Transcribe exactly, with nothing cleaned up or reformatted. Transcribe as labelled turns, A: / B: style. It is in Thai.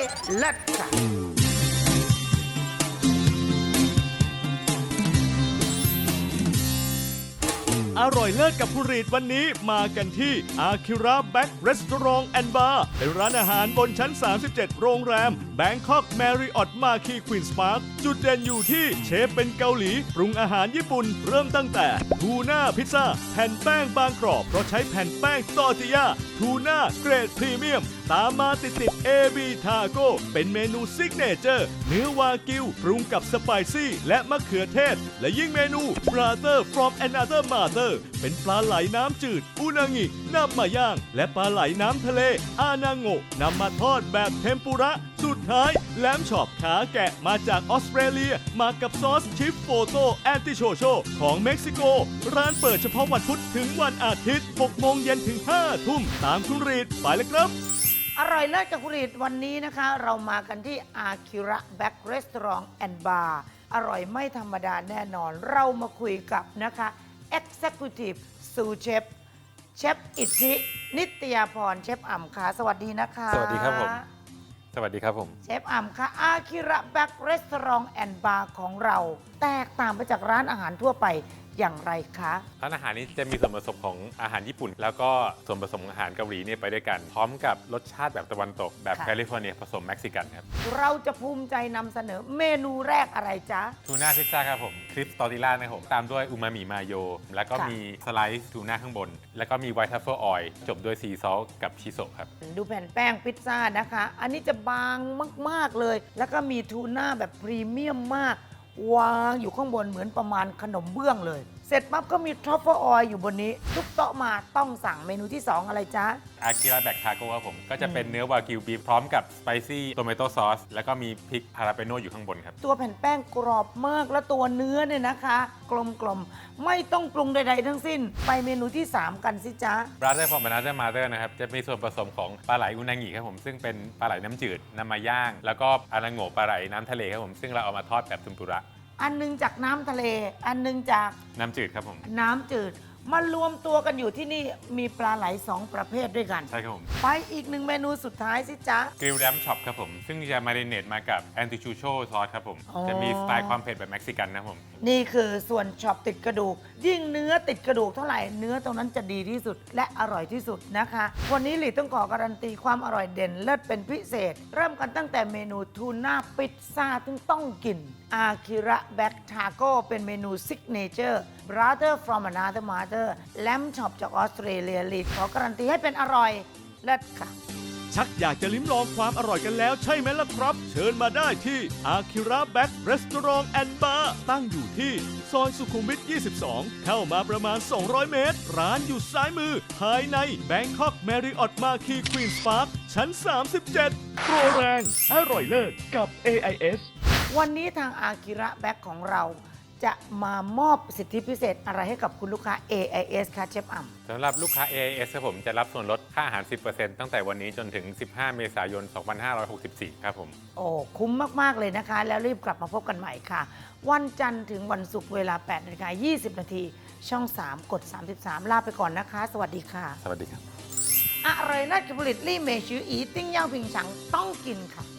A: เลิศค่ะ
B: อร่อยเลิศกับผู้รีดวันนี้มากันที่ Akira Back Restaurant and Bar เป็นร้านอาหารบนชั้น สามสิบเจ็ด โรงแรม Bangkok Marriott Marquis Queen's Park จุดเด่นอยู่ที่เชฟเป็นเกาหลีปรุงอาหารญี่ปุ่นเริ่มตั้งแต่ทูน่าพิซซ่าแผ่นแป้งบางกรอบเพราะใช้แผ่นแป้งตอร์ติยาทูน่าเกรดพรีเมียมตามมาติดติด เอ บี Taco เป็นเมนูซิกเนเจอร์เนื้อวากิวปรุงกับสไปซี่และมะเขือเทศและยิ่งเมนู Brother from Another Mother เป็นปลาไหลน้ำจืดอุนางินำมาย่างและปลาไหลน้ำทะเลอานาโงะนำมาทอดแบบเทมปุระสุดท้ายแลมช็อปขาแกะมาจากออสเตรเลียมากับซอสชิฟโฟโตแอนติโชโชของเม็กซิโกร้านเปิดเฉพาะวันพุธถึงวันอาทิตย์หกโมงเย็นถึงห้าทุ่มตามคุณรีดไปเลยครับ
A: อร่อยเลิศกับคุณรีดวันนี้นะคะ เรามากันที่ Akira Back Restaurant and Bar อร่อยไม่ธรรมดาแน่นอน เรามาคุยกับนะคะ Executive Sous Chef เชฟอิทธินิตยาพรเชฟอ่ำค่ะสวัสดีนะคะ
C: สวัสดีครับผมสวัสดีครับผม
A: เชฟอ่ำค่ะ Akira Back Restaurant and Bar ของเรา แตกต่างไปจากร้านอาหารทั่วไปอย่างไรคะ
C: ร้านอาหารนี้จะมีส่วนผสมของอาหารญี่ปุ่น แล้วก็ส่วนผสมของอาหารเกาหลีเนี่ยไปด้วยกัน พร้อมกับรสชาติแบบตะวันตกแบบแคลิฟอร์เนียผสมเม็กซิกันครับ
A: เราจะภูมิใจนำเสนอเมนูแรกอะไรจ๊ะ
C: ทูน่าพิซซ่าครับผมคริสตอร์ติล่านะครับผมตามด้วยอูมามิมาโยแล้วก็มีสไลซ์ทูน่าข้างบนแล้วก็มีไวท์ทัฟเฟิลออยล์จบด้วยซีซอสกับชิโซะครับ
A: ดูแผ่นแป้งพิซซ่านะคะอันนี้จะบางมากๆเลยแล้วก็มีทูน่าแบบพรีเมียมมากวางอยู่ข้างบนเหมือนประมาณขนมเบื้องเลยเสร็จปั๊บก็มีทรัฟเฟิลออยล์อยู่บนนี้ทุกโต๊ะมาต้องสั่งเมนูที่สองอะไรจ๊ะ
C: อากิระแบกทาโก้ครับผมก็จะเป็นเนื้อวากิวบีฟพร้อมกับสไปซี่โตเมโต้ซอสแล้วก็มีพริกฮาราเปโน่อยู่ข้างบนครับ
A: ตัวแผ่นแป้งกรอบมากและตัวเนื้อเนี่ยนะคะ กลมๆไม่ต้องปรุงใดๆทั้งสิ้นไปเมนูที่สามกันสิจ๊ะ
C: Brother from Another Mother นะครับจะมีส่วนผสมของปลาไหลอุนางิครับผมซึ่งเป็นปลาไหลน้ำจืดนำมาย่างแล้วก็อานาโงะปลาไหลน้ำทะเลครับผมซึ่งเราเอามาทอดแบบทุมปุระ
A: อันนึงจากน้ำทะเลอันนึงจาก
C: น้ำจืดครับผม
A: น้ำจืดมารวมตัวกันอยู่ที่นี่มีปลาไหลสองประเภทด้วยกัน
C: ใช่ครับผม
A: ไปอีกหนึ่งเมนูสุดท้ายสิจ๊ะ
C: กริลแรมช็อปครับผมซึ่งจะมาริเนตมากับแอนติชูโชซอสครับผมจะมีสไตล์ความเผ็ดแบบเม็กซิกันนะผม
A: นี่คือส่วนช็อปติดกระดูกยิ่งเนื้อติดกระดูกเท่าไหร่เนื้อตรงนั้นจะดีที่สุดและอร่อยที่สุดนะคะวันนี้หลีต้องขอการันตีความอร่อยเด่นเลิศเป็นพิเศษเริ่มกันตั้งแต่เมนูทูน่าพิซซ่าที่ต้องกินอาคิระแบ็กทาโก้เป็นเมนูซิกเนเจอร์ Brother from Another Mother แลมช็อปจากออสเตรเลียลีดขอการันตีให้เป็นอร่อยเลิศค่ะ
B: ชักอยากจะลิ้มลองความอร่อยกันแล้วใช่ไหมล่ะครับเชิญมาได้ที่ Akira Back Restaurant and Bar ตั้งอยู่ที่ซอยสุขุมวิท ยี่สิบสอง เข้ามาประมาณ สองร้อย เมตร ร้านอยู่ซ้ายมือภายใน Bangkok Marriott Marquis Queen's Park ชั้น สามสิบเจ็ด โปรแรงอร่อยเลิศกับ เอ ไอ เอส
A: วันนี้ทาง Akira Back ของเราจะมามอบสิทธิพิเศษอะไรให้กับคุณลูกค้า เอ ไอ เอส ค่ะเชฟอ่ำ
C: สำหรับลูกค้า เอ ไอ เอส ครับผมจะรับส่วนลดค่าอาหาร สิบเปอร์เซ็นต์ ตั้งแต่วันนี้จนถึง สิบห้า เมษายน สองพันห้าร้อยหกสิบสี่ ครับผม
A: โอ้คุ้มมากๆเลยนะคะแล้วรีบกลับมาพบกันใหม่ค่ะวันจันทร์ถึงวันศุกร์เวลา แปดนาฬิกายี่สิบ นาทีช่อง สาม กด สามสิบสาม ลาไปก่อนนะคะสวัสดีค่ะ
C: สวัสดีครับ
A: อร่อยเลิศกับผลิตลี่เมชืออีติ้งย่างผิงฉังต้องกินค่ะ